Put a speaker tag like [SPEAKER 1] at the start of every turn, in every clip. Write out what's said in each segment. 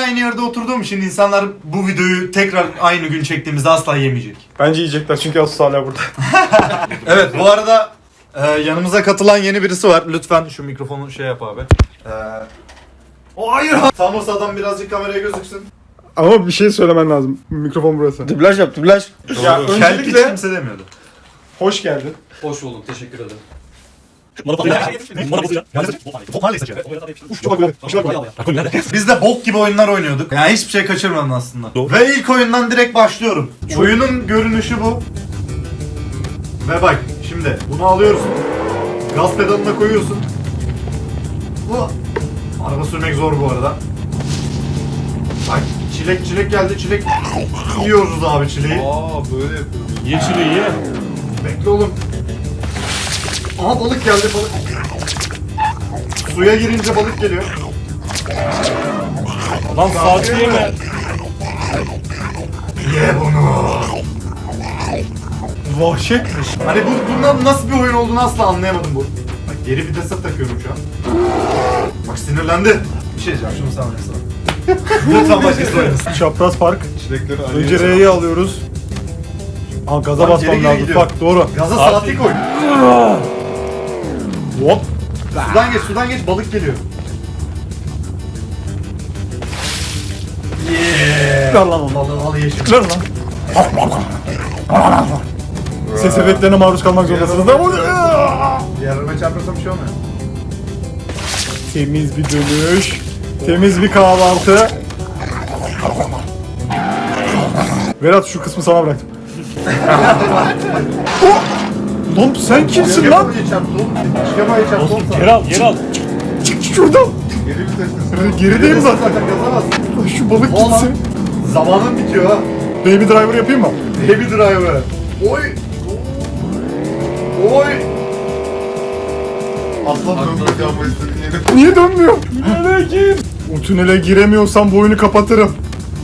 [SPEAKER 1] aynı yerde oturduğum için insanlar bu videoyu tekrar aynı gün çektiğimizde asla yemeyecek.
[SPEAKER 2] Bence yiyecekler çünkü Asus hala burada.
[SPEAKER 1] Evet, bu arada yanımıza katılan yeni birisi var. Lütfen şu mikrofonu şey yap abi. Hayır. Thanos adam birazcık kameraya gözüksün.
[SPEAKER 2] Ama bir şey söylemen lazım. Mikrofon burası.
[SPEAKER 3] Dublaj yap, dublaj.
[SPEAKER 2] Ya
[SPEAKER 1] Kelp hiç
[SPEAKER 2] öncelikle
[SPEAKER 1] kimse demiyordu.
[SPEAKER 2] hoş geldin.
[SPEAKER 4] Hoş bulduk, teşekkür ederim.
[SPEAKER 1] Biz de bok gibi oyunlar oynuyorduk. Yani hiçbir şey kaçırmadın aslında. Ve ilk oyundan direkt başlıyorum. Oyunun görünüşü bu. Ve bak şimdi bunu alıyorsun. Gaz pedalına koyuyorsun. Bu. Araba sürmek zor bu arada. Bak çilek geldi, çilek. Yiyoruz abi çileği.
[SPEAKER 4] Böyle yapıyoruz.
[SPEAKER 5] Ye çileği ye.
[SPEAKER 1] Bekle oğlum. Aha balık geldi, balık. Suya girince balık geliyor.
[SPEAKER 5] Lan saati yeme.
[SPEAKER 1] Ye bunu.
[SPEAKER 2] Vahşetmiş.
[SPEAKER 1] Hani bundan nasıl bir oyun olduğunu asla anlayamadım bu. Bak geri vitese takıyorum şu an. Bak sinirlendi. Bir şey diyeceğim, şunu sana versene. Lütfen başkası oynasın.
[SPEAKER 2] Çapraz park.
[SPEAKER 4] Çilekleri
[SPEAKER 2] Önce R'yi alıyoruz. Aa gaza
[SPEAKER 1] Lan
[SPEAKER 2] basmam
[SPEAKER 1] geri geri
[SPEAKER 2] lazım.
[SPEAKER 1] gidiyor.
[SPEAKER 2] Bak doğru.
[SPEAKER 1] Gaza saati koy.
[SPEAKER 2] Hop.
[SPEAKER 1] Sudan geç balık geliyor. Yeah.
[SPEAKER 2] Ver lan onu.
[SPEAKER 1] Al ye şimdi.
[SPEAKER 2] Ver lan. Ses efektlerine maruz kalmak zorundasınız.
[SPEAKER 1] Yerime çarparsam bir şey olmuyor.
[SPEAKER 2] Temiz bir dönüş. Temiz bir kahvaltı. Berat şu kısmı sana bıraktım. Oh! Lan sen kimsin lan?
[SPEAKER 1] Çıkamayı çarptı oğlum.
[SPEAKER 5] Geri al, geri al.
[SPEAKER 2] Çık şuradan.
[SPEAKER 4] Geri vitesli.
[SPEAKER 2] Gerideyim zaten.
[SPEAKER 1] Yazamaz.
[SPEAKER 2] Lan şu balık
[SPEAKER 1] Oğlum.
[SPEAKER 2] gitsin.
[SPEAKER 1] Zamanın bitiyor ha.
[SPEAKER 2] Baby driver yapayım mı?
[SPEAKER 1] Baby driver. Oy. Oy.
[SPEAKER 4] Aslan dönmek yapmayı istediğin yere.
[SPEAKER 2] Niye dönmüyor? Tünele gir. O tünele giremiyorsam bu oyunu kapatırım.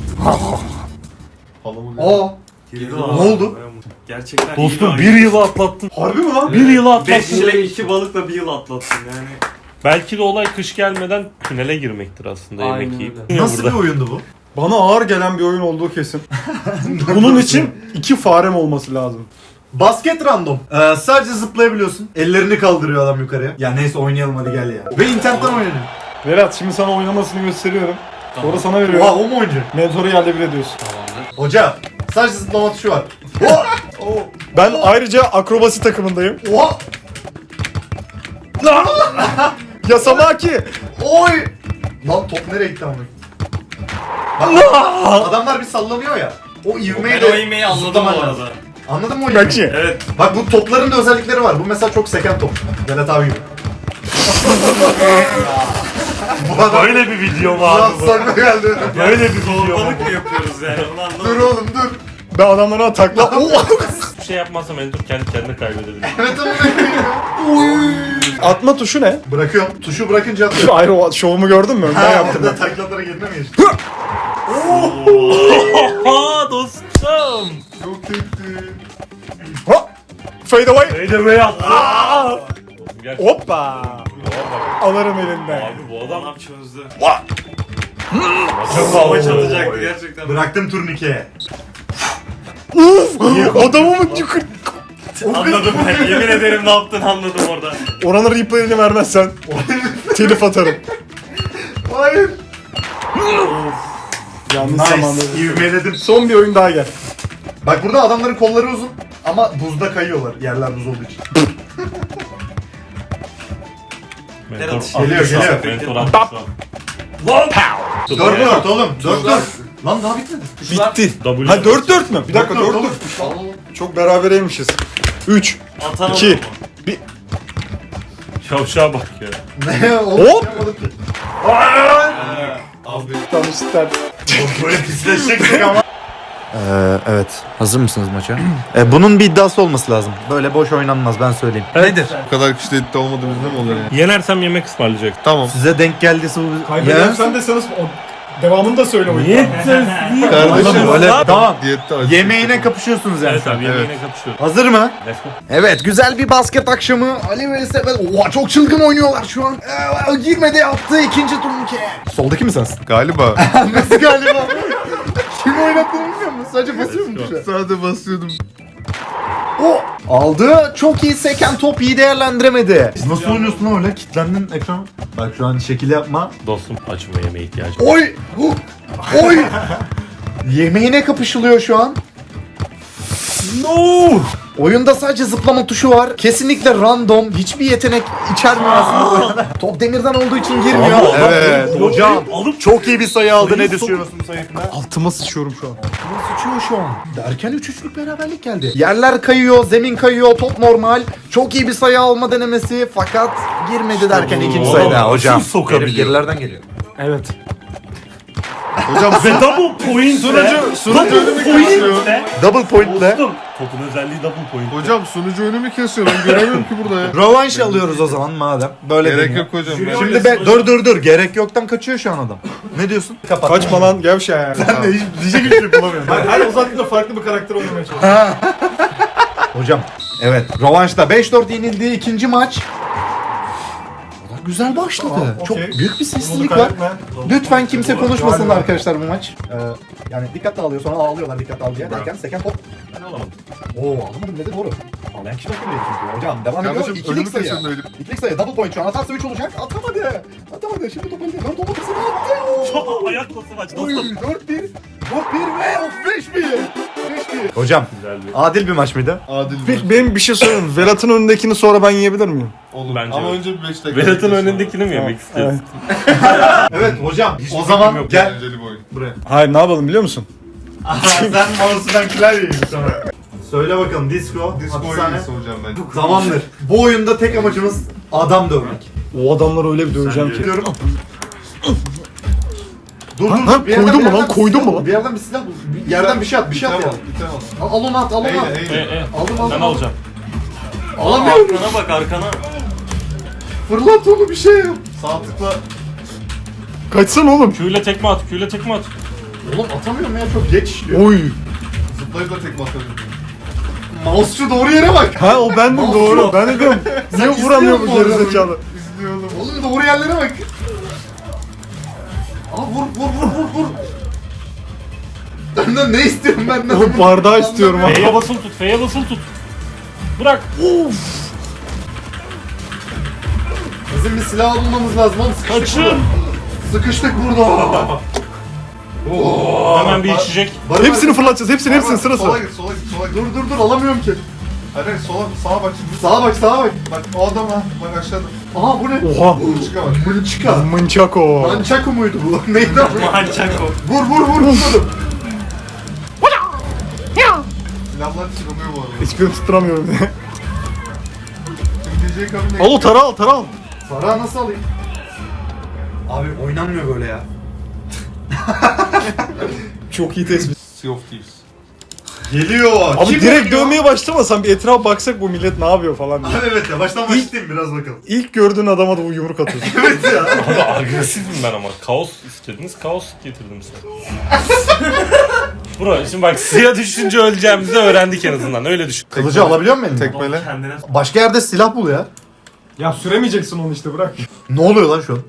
[SPEAKER 4] Halamı
[SPEAKER 1] Aa. Ne oldu?
[SPEAKER 6] Gerçekten
[SPEAKER 5] Dostum bir yılı atlattın.
[SPEAKER 1] Harbi mi lan?
[SPEAKER 5] Bir yılı
[SPEAKER 6] 5
[SPEAKER 5] atlattın.
[SPEAKER 6] çilek 2 balıkla bir yıl atlattın yani.
[SPEAKER 5] Belki de olay kış gelmeden tünele girmektir aslında
[SPEAKER 6] Aynen
[SPEAKER 5] yemek yiyip.
[SPEAKER 6] öyle.
[SPEAKER 1] Nasıl bir oyundu bu?
[SPEAKER 2] Bana ağır gelen bir oyun olduğu kesin. Bunun için 2 farem olması lazım.
[SPEAKER 1] Basket random. Sadece zıplayabiliyorsun. Ellerini kaldırıyor adam yukarıya. Ya neyse oynayalım hadi gel ya. Ve internetten oynanıyor.
[SPEAKER 2] Berat şimdi sana oynamasını gösteriyorum. Sonra sana
[SPEAKER 1] Oha
[SPEAKER 2] veriyorum.
[SPEAKER 1] o mu oyuncu?
[SPEAKER 2] Mentoru yerle bir ediyorsun.
[SPEAKER 6] Tamamdır.
[SPEAKER 1] Hoca. Sadece zıplama tuşu var. Oha.
[SPEAKER 2] Ben ayrıca akrobasi takımındayım.
[SPEAKER 1] Oha.
[SPEAKER 2] Yasamaki.
[SPEAKER 1] Oy. Lan top nereye gitti amına? Bak, adamlar bir sallanıyor ya. O ivmeyi
[SPEAKER 6] Ben o
[SPEAKER 1] de
[SPEAKER 6] yemeği anladım bu
[SPEAKER 1] zıplaman lazım.
[SPEAKER 6] arada.
[SPEAKER 1] Anladın mı o ivmeyi?
[SPEAKER 2] Kaçı?
[SPEAKER 6] Evet.
[SPEAKER 1] Bak bu topların da özellikleri var. Bu mesela çok seken top. Vedat abi gibi. Bu adam
[SPEAKER 5] Böyle bir video mu abi bu?
[SPEAKER 1] sonuna geldi.
[SPEAKER 5] Böyle bir video mu?
[SPEAKER 6] Balık mı yapıyoruz yani onu anlamadım.
[SPEAKER 1] Dur oğlum dur.
[SPEAKER 2] Ben adamlara takla...
[SPEAKER 5] Bir şey yapmazsam Endur kendi kendine kaybedebilir.
[SPEAKER 1] Evet oğlum.
[SPEAKER 2] Atma tuşu ne?
[SPEAKER 1] Bırakıyorum. Tuşu bırakınca atıyor.
[SPEAKER 2] Şu ayrı o şovumu gördün mü? Ben yaptım.
[SPEAKER 1] Orada taklalara girme mi geçti?
[SPEAKER 5] Oha dostum.
[SPEAKER 4] Çok tekti.
[SPEAKER 2] Hop! Fade away.
[SPEAKER 5] Neydi be yaptı? Gerçekten.
[SPEAKER 2] Hoppa! Alırım elinden.
[SPEAKER 5] Abi bu adam
[SPEAKER 6] Adam çözdü.
[SPEAKER 5] çok
[SPEAKER 6] Hava çalacaktı gerçekten.
[SPEAKER 1] Bıraktım turnikeye.
[SPEAKER 2] Uf! Adamımın yukarı...
[SPEAKER 6] Anladım ben. Yemin ederim ne yaptın anladım orada.
[SPEAKER 2] Oranın replay'ini vermezsen telif atarım.
[SPEAKER 1] Hayır.
[SPEAKER 2] Yanlış zamanda.
[SPEAKER 1] Nice. İvmeledim.
[SPEAKER 2] Son bir oyun daha gel.
[SPEAKER 1] Bak burada adamların kolları uzun ama buzda kayıyorlar. Yerler buz olduğu için. Geliyor.
[SPEAKER 5] Mentor attı.
[SPEAKER 1] 4 4 oğlum. 4 4. Lan daha bitmedi.
[SPEAKER 2] Bitti.
[SPEAKER 5] W.
[SPEAKER 2] Ha 4-4 mü? Bir dakika 4-4.
[SPEAKER 1] oğlum.
[SPEAKER 2] Çok berabereymişiz. 3,
[SPEAKER 6] Atan
[SPEAKER 2] 2,
[SPEAKER 6] olur mu?
[SPEAKER 5] Şavşağa bak ya.
[SPEAKER 1] Ne oğlum?
[SPEAKER 2] Hop!
[SPEAKER 1] Yapamadım ki.
[SPEAKER 4] Abi.
[SPEAKER 2] tanıştılar.
[SPEAKER 1] Böyle pisleşecektik ama.
[SPEAKER 3] Evet. Hazır mısınız maça?
[SPEAKER 1] Bunun bir iddiası olması lazım. Böyle boş oynanmaz ben söyleyeyim.
[SPEAKER 5] Nedir?
[SPEAKER 4] Bu kadar kişide iddia olmadığımızda mı olur yani?
[SPEAKER 5] Yenersem yemek ısmarlayacak.
[SPEAKER 4] Tamam.
[SPEAKER 1] Size denk geldiyse bu...
[SPEAKER 2] Kaybedersen de sanız... Devamını da söyle oyun.
[SPEAKER 4] Kardeşim
[SPEAKER 3] Böyle tamam.
[SPEAKER 4] diyette acı.
[SPEAKER 1] Yemeğine kapışıyorsunuz yani.
[SPEAKER 5] Evet abi yemeğine kapışıyoruz.
[SPEAKER 1] Hazır mı?
[SPEAKER 5] Let's go.
[SPEAKER 1] Evet, güzel bir basket akşamı. Ali ve Sefer. Oha, çok çılgın oynuyorlar şu an. Girmedi, attı ikinci turnike. Soldaki mi sensin?
[SPEAKER 4] Galiba.
[SPEAKER 1] Nasıl galiba? Kim oynattığını bilmiyor musun? Sadece basıyor mu tuşa?
[SPEAKER 4] Sadece basıyordum.
[SPEAKER 1] O aldı. Çok iyi seken top, iyi değerlendiremedi. Nasıl oynuyorsun lan öyle? Kilitlendin ekran. Bak şu an şekil yapma.
[SPEAKER 5] Dostum açma yemeğe ihtiyacım var.
[SPEAKER 1] Oy! Oy! Yemeğine kapışılıyor şu an.
[SPEAKER 5] No!
[SPEAKER 1] Oyunda sadece zıplama tuşu var. Kesinlikle random. Hiçbir yetenek içermiyor aslında. Top demirden olduğu için girmiyor.
[SPEAKER 4] Evet.
[SPEAKER 1] Hocam
[SPEAKER 5] Alıp
[SPEAKER 1] çok iyi bir sayı aldı. Ne
[SPEAKER 5] Sayı
[SPEAKER 1] düşünüyorsun bu sayısına?
[SPEAKER 2] Altıma sıçıyorum şu an.
[SPEAKER 1] Sıçıyor şu an. Derken 3-3'lük beraberlik geldi. Yerler kayıyor, zemin kayıyor, top normal. Çok iyi bir sayı alma denemesi fakat girmedi derken ikinci
[SPEAKER 5] bu.
[SPEAKER 1] sayıda
[SPEAKER 5] Adam
[SPEAKER 1] hocam.
[SPEAKER 5] nasıl sokabiliyor?
[SPEAKER 3] Gerilerden geliyor.
[SPEAKER 2] Evet.
[SPEAKER 4] Hocam
[SPEAKER 5] Ve double point
[SPEAKER 4] sunucu önümü kesiyor.
[SPEAKER 1] Double pointle.
[SPEAKER 5] Dostum. Topun özelliği double point.
[SPEAKER 4] Hocam sunucu önümü kesiyor. Ben göremiyorum ki burada ya.
[SPEAKER 1] Rövanş alıyoruz o zaman madem. Böyle
[SPEAKER 4] Gerek
[SPEAKER 1] deniyor.
[SPEAKER 4] yok hocam.
[SPEAKER 1] Şimdi dur. Gerek yoktan kaçıyor şu an adam. Ne diyorsun? Kapat.
[SPEAKER 2] Kaçma lan gevşe ya.
[SPEAKER 1] Ben de hiç diyecek hiçbir şey bulamıyorum.
[SPEAKER 2] Her uzattıkça farklı bir karakter oynamaya çalışıyorum.
[SPEAKER 1] Hocam. Evet. Rövanşta 5-4 yenildiği ikinci maç. O da güzel başladı.
[SPEAKER 2] Tamam,
[SPEAKER 1] Çok
[SPEAKER 2] okey.
[SPEAKER 1] büyük bir
[SPEAKER 2] Bunu
[SPEAKER 1] sessizlik var.
[SPEAKER 2] kaybetme.
[SPEAKER 1] Lütfen kimse konuşmasın
[SPEAKER 2] Galiba.
[SPEAKER 1] arkadaşlar bu maç. Yani dikkat dağılıyor sonra ağlıyorlar dikkat dağılıyor derken seken top.
[SPEAKER 5] Ben alamadım.
[SPEAKER 1] Oo alamadım dedi doğru. Ağlayan kişi bakıyor çünkü. Hocam devam ediyor.
[SPEAKER 4] Kardeşim
[SPEAKER 1] İkilik
[SPEAKER 4] önümü
[SPEAKER 1] sayı.
[SPEAKER 4] kesiyorum öyle.
[SPEAKER 1] İkilik sayı double point şu an atarsa 3 olacak. Atamadı. Şimdi top elde. 4 olmasını attı.
[SPEAKER 5] Ayak topu maç
[SPEAKER 1] Oy,
[SPEAKER 5] dostum.
[SPEAKER 1] 4-1 ve 5-1. Hocam
[SPEAKER 5] Güzel bir.
[SPEAKER 1] adil bir maç mıydı?
[SPEAKER 4] Adil bir
[SPEAKER 2] Peki benim bir şey söyleyeyim. Velat'ın önündekini sonra ben yiyebilir miyim?
[SPEAKER 4] olur.
[SPEAKER 5] Bence
[SPEAKER 4] Ama
[SPEAKER 5] yok.
[SPEAKER 4] önce bir 5 dakika.
[SPEAKER 5] Vedat'ın
[SPEAKER 4] bekliyorsun.
[SPEAKER 5] önündekini mi yemek istiyorsun?
[SPEAKER 1] Evet hocam. O
[SPEAKER 5] fikrim
[SPEAKER 1] zaman
[SPEAKER 5] yok.
[SPEAKER 1] gel.
[SPEAKER 4] Eğlenceli bir oyun.
[SPEAKER 1] Buraya.
[SPEAKER 2] Hayır ne yapalım biliyor musun?
[SPEAKER 1] Sen mouse'dan klavyeyi sana. Söyle bakalım disco.
[SPEAKER 4] Disco
[SPEAKER 1] hapishane.
[SPEAKER 4] oyuncusu hocam bence.
[SPEAKER 1] Tamamdır. Bu oyunda tek amacımız adam dövmek.
[SPEAKER 2] O adamları öyle bir döveceğim ki.
[SPEAKER 1] Diyorum. Dur
[SPEAKER 2] Ha,
[SPEAKER 1] bir yerden-
[SPEAKER 2] koydun mu
[SPEAKER 1] bir
[SPEAKER 2] lan,
[SPEAKER 1] yerden
[SPEAKER 2] koydun
[SPEAKER 1] bir
[SPEAKER 2] mu
[SPEAKER 1] silah
[SPEAKER 2] lan?
[SPEAKER 1] bul. Bir yerden bir silah bul. Bir yerden bir şey at, bir şey at ya.
[SPEAKER 4] Bitemez.
[SPEAKER 1] Al onu at, al onu at.
[SPEAKER 4] Eyle.
[SPEAKER 1] Aldım.
[SPEAKER 5] Ben alacağım.
[SPEAKER 1] Alamıyorum.
[SPEAKER 5] Arkana bak arkana.
[SPEAKER 1] Fırlat onu bir şey yap.
[SPEAKER 4] Sağ tıkla.
[SPEAKER 2] Kaçsana oğlum.
[SPEAKER 5] Q'yle tekme at. Q'yle tekme at.
[SPEAKER 1] Oğlum atamıyorum ya çok geç işliyor.
[SPEAKER 2] Oy.
[SPEAKER 4] Zıplayıp da tekme atabilirim.
[SPEAKER 1] Mouse'cu doğru yere bak.
[SPEAKER 2] Ha o bendim doğru. Ben de diyorum. Niye vuramıyor bu
[SPEAKER 1] istiyor musun
[SPEAKER 2] gerizekalı?
[SPEAKER 4] İzliyorum.
[SPEAKER 1] Oğlum doğru yerlere bak. Aa vur. Benden ne istiyorsun benden?
[SPEAKER 2] Oğlum bardağı istiyorum ha.
[SPEAKER 5] F'ye basılı tut. F'ye basılı tut. Bırak.
[SPEAKER 1] Bizim bir silah bulmamız lazım oğlum. Sıkıştık
[SPEAKER 5] Kaçın.
[SPEAKER 1] burada. Sıkıştık burada.
[SPEAKER 5] Hemen bir içecek.
[SPEAKER 2] Hepsini fırlatacağız. Hepsini sırası.
[SPEAKER 4] Sola git.
[SPEAKER 1] Dur alamıyorum ki.
[SPEAKER 4] Hayır sağa bak şimdi.
[SPEAKER 1] Sağa bak.
[SPEAKER 4] Bak o adam ha. Bak aşağıda.
[SPEAKER 1] Aha bu ne?
[SPEAKER 2] Oha.
[SPEAKER 4] Çıka bak.
[SPEAKER 1] Mınçika.
[SPEAKER 2] Mınçako.
[SPEAKER 1] Mançako muydu bu? Neydi o?
[SPEAKER 5] Mançako.
[SPEAKER 1] Vur.
[SPEAKER 4] Silahlar çıkamıyor bu arada.
[SPEAKER 2] Hiçbirini tutturamıyorum.
[SPEAKER 4] Şimdi DJ kabine.
[SPEAKER 2] Al o tara al.
[SPEAKER 1] Para nasıl alayım? Abi oynanmıyor böyle ya.
[SPEAKER 2] Çok iyi tespit.
[SPEAKER 4] Sea of Thieves.
[SPEAKER 1] Geliyor.
[SPEAKER 2] Abi
[SPEAKER 1] Kim
[SPEAKER 2] direkt
[SPEAKER 1] oynuyor?
[SPEAKER 2] dövmeye başlamasan bir etrafa baksak bu millet ne yapıyor falan diye.
[SPEAKER 1] Abi evet ya baştan başlayayım biraz bakalım.
[SPEAKER 2] İlk gördüğün adama da bu yumruk atıyorsun.
[SPEAKER 1] Evet ya.
[SPEAKER 5] Abi agresifim ben ama. Kaos istediniz. Kaos getirdim size. Bro şimdi bak suya düşünce öleceğimizi öğrendik en azından. Öyle düşün.
[SPEAKER 1] Kılıcı alabiliyor muyum eline?
[SPEAKER 4] Tekmele.
[SPEAKER 5] Kendine
[SPEAKER 1] Başka yerde silah bul ya.
[SPEAKER 2] Ya süremeyeceksin onu işte bırak.
[SPEAKER 1] Ne oluyor lan şu an?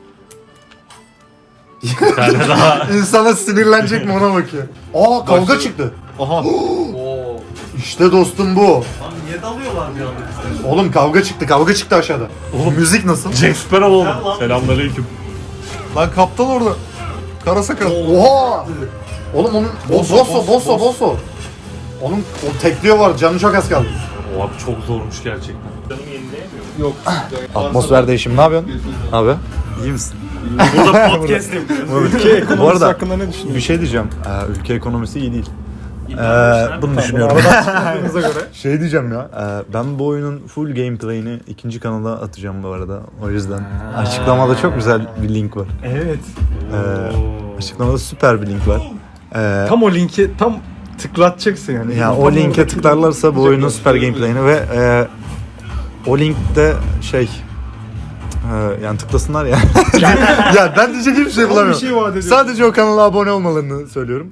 [SPEAKER 5] bir tane daha.
[SPEAKER 1] İnsana sinirlenecek mi ona bakıyor. Aa kavga
[SPEAKER 4] Başladı.
[SPEAKER 1] çıktı.
[SPEAKER 2] Aha.
[SPEAKER 1] İşte dostum bu.
[SPEAKER 5] Niye dalıyorlar bir anda?
[SPEAKER 1] Oğlum kavga çıktı aşağıda. Oğlum müzik nasıl?
[SPEAKER 5] Jack Sparrow oldu. Selamünaleyküm.
[SPEAKER 4] Lan kaptan orada. Kara sakal.
[SPEAKER 1] Oha! Oğlum onun bosso. Onun o tekliyor var canı çok az kaldı.
[SPEAKER 5] O abi çok zormuş gerçekten. Canım yenileyemiyor.
[SPEAKER 4] Yok.
[SPEAKER 1] Atmosfer değişimi ne yapıyorsun? Abi iyi misin?
[SPEAKER 5] Burada podcast yapıyoruz.
[SPEAKER 2] Ülke ekonomisi
[SPEAKER 3] Bu arada-
[SPEAKER 2] hakkında ne düşünüyorsun?
[SPEAKER 3] Bir şey diyeceğim. Ülke ekonomisi iyi değil. Bunu
[SPEAKER 2] Bunu
[SPEAKER 3] düşünüyorum.
[SPEAKER 2] aradan çıkardığınıza göre.
[SPEAKER 3] Şey diyeceğim ya. Ben bu oyunun full gameplay'ini ikinci kanala atacağım bu arada. O yüzden açıklamada çok güzel bir link var.
[SPEAKER 2] Evet.
[SPEAKER 3] Açıklamada süper bir link var.
[SPEAKER 2] Tam o linki tam tıklatacaksın yani.
[SPEAKER 3] Ya o linke tıklarlarsa bu oyunun süper gameplay'ini ve o linkte Yani tıklasınlar ya. Ya ben diyecek hiçbir şey
[SPEAKER 2] Bir
[SPEAKER 3] bulamıyorum.
[SPEAKER 2] şey vaat ediyorum.
[SPEAKER 3] Sadece o kanala abone olmalarını söylüyorum.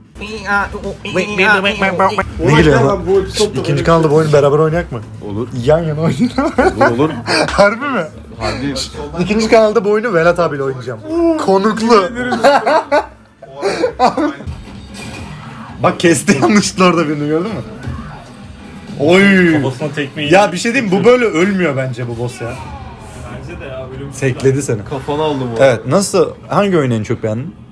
[SPEAKER 3] Ne geliyor lan?
[SPEAKER 2] Bu episodda
[SPEAKER 3] İkinci kanalda bu oyunu beraber oynayak mı? Olur. Yan yana oynayalım.
[SPEAKER 6] Olur.
[SPEAKER 3] Harbi mi?
[SPEAKER 6] Harbi.
[SPEAKER 3] İkinci kanalda bu oyunu Velat abiyle oynayacağım. Konuklu. Bak kesti yanlışlıkla orada birini gördün mü? Oy.
[SPEAKER 5] Kafasına tekmeyi.
[SPEAKER 3] Ya bir şey diyeyim mi? Bu böyle ölmüyor bence bu boss ya.
[SPEAKER 5] Bence de ya ölüm.
[SPEAKER 3] Tekledi seni.
[SPEAKER 6] Kafana aldım o.
[SPEAKER 3] Evet nasıl? Hangi oyunu en çok beğendin?